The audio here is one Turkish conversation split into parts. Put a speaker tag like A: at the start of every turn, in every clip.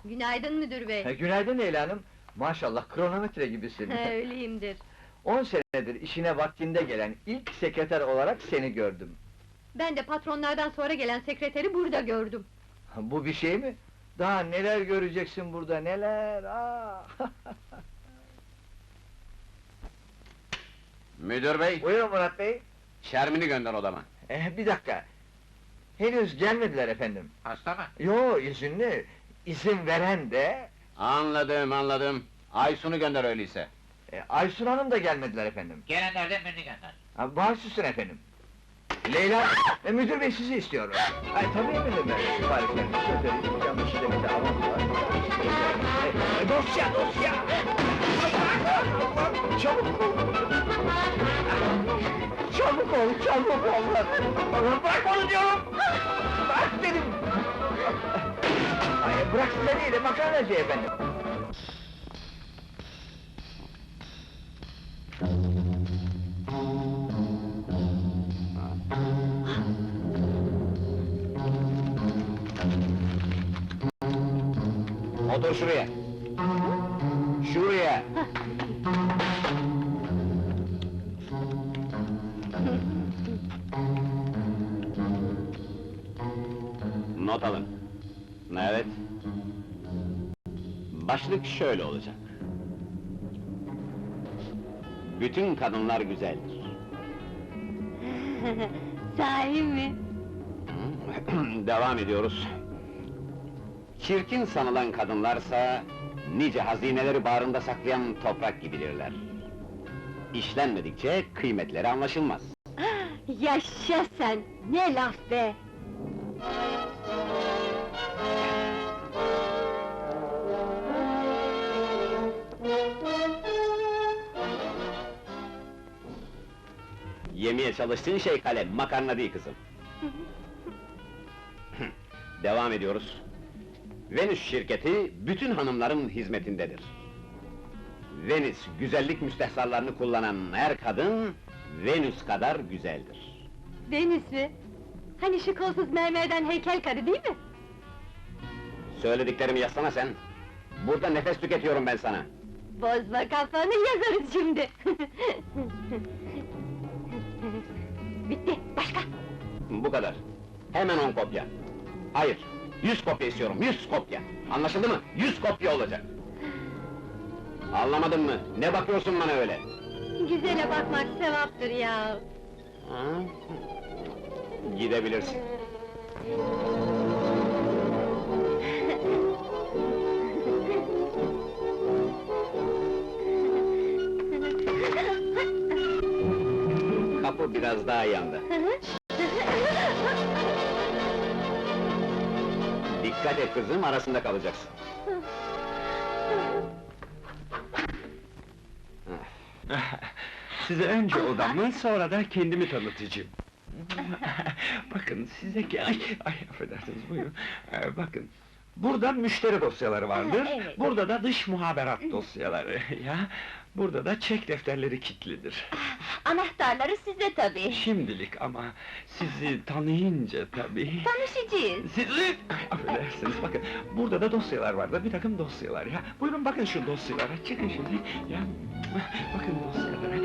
A: Günaydın müdür bey.
B: Günaydın Leyla Hanım. Maşallah kronometre gibisin.
A: Öyleyimdir.
B: 10 senedir işine vaktinde gelen ilk sekreter olarak seni gördüm.
A: Ben de patronlardan sonra gelen sekreteri burada gördüm.
B: Bu bir şey mi? Daha neler göreceksin burada, neler!
C: Müdür bey,
B: Buyurun Murat Bey.
C: Şermin'i gönder odama.
B: Bir dakika. Henüz gelmediler efendim.
C: Hasta mı?
B: Yo, izinli. İzin veren de...
C: Anladım. Aysun'u gönder öyleyse.
B: Aysun Hanım da gelmediler efendim.
D: Gelenlerden birini gönder.
B: Baş üstüne efendim. Leyla, müdür bey sizi istiyor. Tabii efendim, ben siparişlerinizi göndereyim. Yanlış da bir de avans var. Dosya! Çabuk ol! Çabuk ol! Bırak onu diyorum! Bırak dedim! Bırak size değil, makarnacı efendim.
C: Otur şuraya. Şuraya. Not alın. Evet. Başlık şöyle olacak. Bütün kadınlar güzeldir.
A: Sahi mi?
C: Devam ediyoruz. Çirkin sanılan kadınlarsa, nice hazineleri bağrında saklayan toprak gibidirler. İşlenmedikçe kıymetleri anlaşılmaz.
A: Yaşa sen! Ne laf be!
C: Yemeye çalıştığın şey kalem, makarna değil kızım. Devam ediyoruz. Venüs şirketi, bütün hanımların hizmetindedir. Venüs, güzellik müstehsallarını kullanan her kadın, Venüs kadar güzeldir.
A: Venüs mü? Hani şu kolsuz mermerden heykel karı değil mi?
C: Söylediklerimi yazsana sen. Burada nefes tüketiyorum ben sana.
A: Bozma kafanı, yazarız şimdi! Bitti, başka!
C: Bu kadar. Hemen 10 kopya. Hayır, 100 kopya istiyorum, 100 kopya! Anlaşıldı mı? 100 kopya olacak! Anlamadın mı? Ne bakıyorsun bana öyle?
A: Güzele bakmak sevaptır ya!
C: Ha? Gidebilirsin. Kapı biraz daha yandı. Dikkat et kızım, arasında kalacaksın.
E: Size önce odamı, sonra da kendimi tanıtacağım. Bakın size ki... Ay, affedersiniz, buyurun. Bakın, burada müşteri dosyaları vardır,
A: Evet.
E: burada da dış muhaberat dosyaları, ya! Burada da çek defterleri kilitlidir.
A: Anahtarları sizde tabii!
E: Şimdilik ama sizi tanıyınca tabii...
A: Tanışacağız!
E: Sizi... Affedersiniz, bakın, burada da dosyalar vardır, bir takım dosyalar ya! Buyurun bakın şu dosyalara, çıkın şimdi, ya! Bakın dosyalara...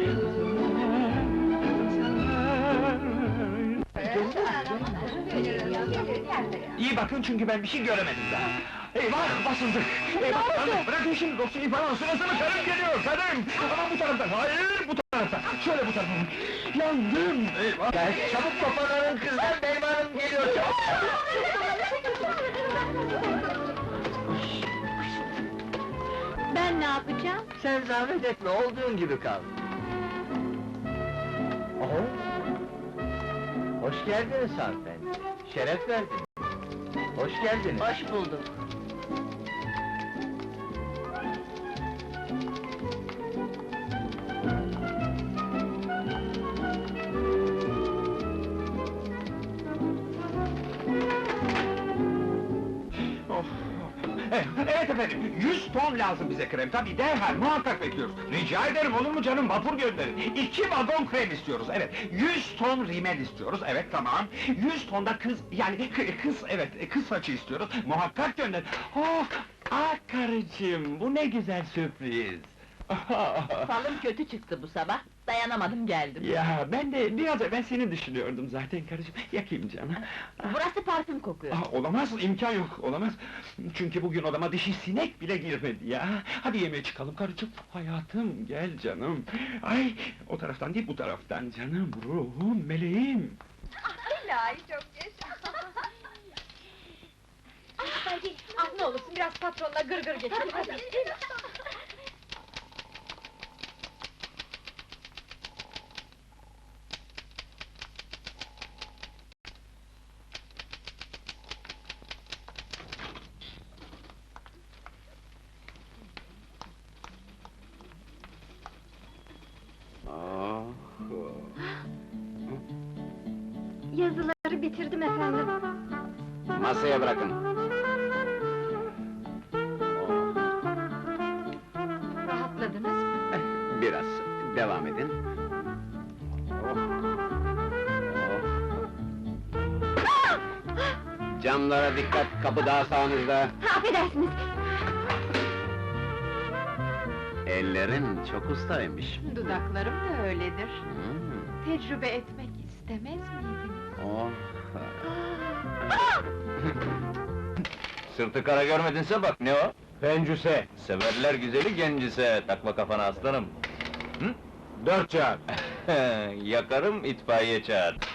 E: İyi bakın çünkü ben bir şey göremedim daha! Eyvah, basıldık! Eyvah, hanım, bırakın şimdi dosyayı falan, sırasını karım geliyor, karım! Ama bu taraftan, hayır, bu taraftan! Şöyle bu tarafa! Yandım, eyvah!
B: Çabuk toparlanın kızlar, benim hanım geliyor, çabuk!
A: Ben ne yapacağım?
B: Sen zahmet etme, olduğun gibi kal. Oho! Hoş geldiniz hanımefendi, şeref verdiniz. Hoş geldiniz.
A: Hoş bulduk!
E: Evet efendim, 100 ton lazım bize krem, tabii derhal, muhakkak bekliyoruz. Rica ederim, olur mu canım, vapur gönderin. 2 vagon krem istiyoruz, evet. 100 ton rimel istiyoruz, evet tamam. 100 ton da kız, yani kız, evet, kız saçı istiyoruz, muhakkak gönderin. Oh! karıcığım, bu ne güzel sürpriz!
D: Falım kötü çıktı bu sabah, dayanamadım geldim.
E: Ya, ben de biraz evvel seni düşünüyordum zaten karıcığım, yakayım canım.
D: Burası parfüm kokuyor.
E: Olamaz, imkan yok, olamaz! Çünkü bugün odama dişi sinek bile girmedi ya! Hadi yemeğe çıkalım karıcığım, hayatım, gel canım! Ay, o taraftan değil, bu taraftan canım, ruhum, meleğim!
A: İlahi çok yaşa! Hadi, ne olursun biraz patronla gırgır geçelim, hadi!
C: Oh.
A: Yazıları bitirdim efendim.
C: Masaya bırakın.
A: Rahatladınız mı?
C: Biraz, devam edin. Oh. Oh. Camlara dikkat, kapı daha sağınızda.
A: Affedersiniz!
C: Ellerin çok ustaymış.
F: Dudaklarım da öyledir.
C: Hmm.
F: Tecrübe etmek istemez miydiniz?
C: Oh.
B: Sırtı kara görmedinse bak, ne o?
E: Pencüse,
B: Severler güzeli gencise, takma kafana aslanım!
E: 4 çağır!
B: Yakarım, itfaiye çağır!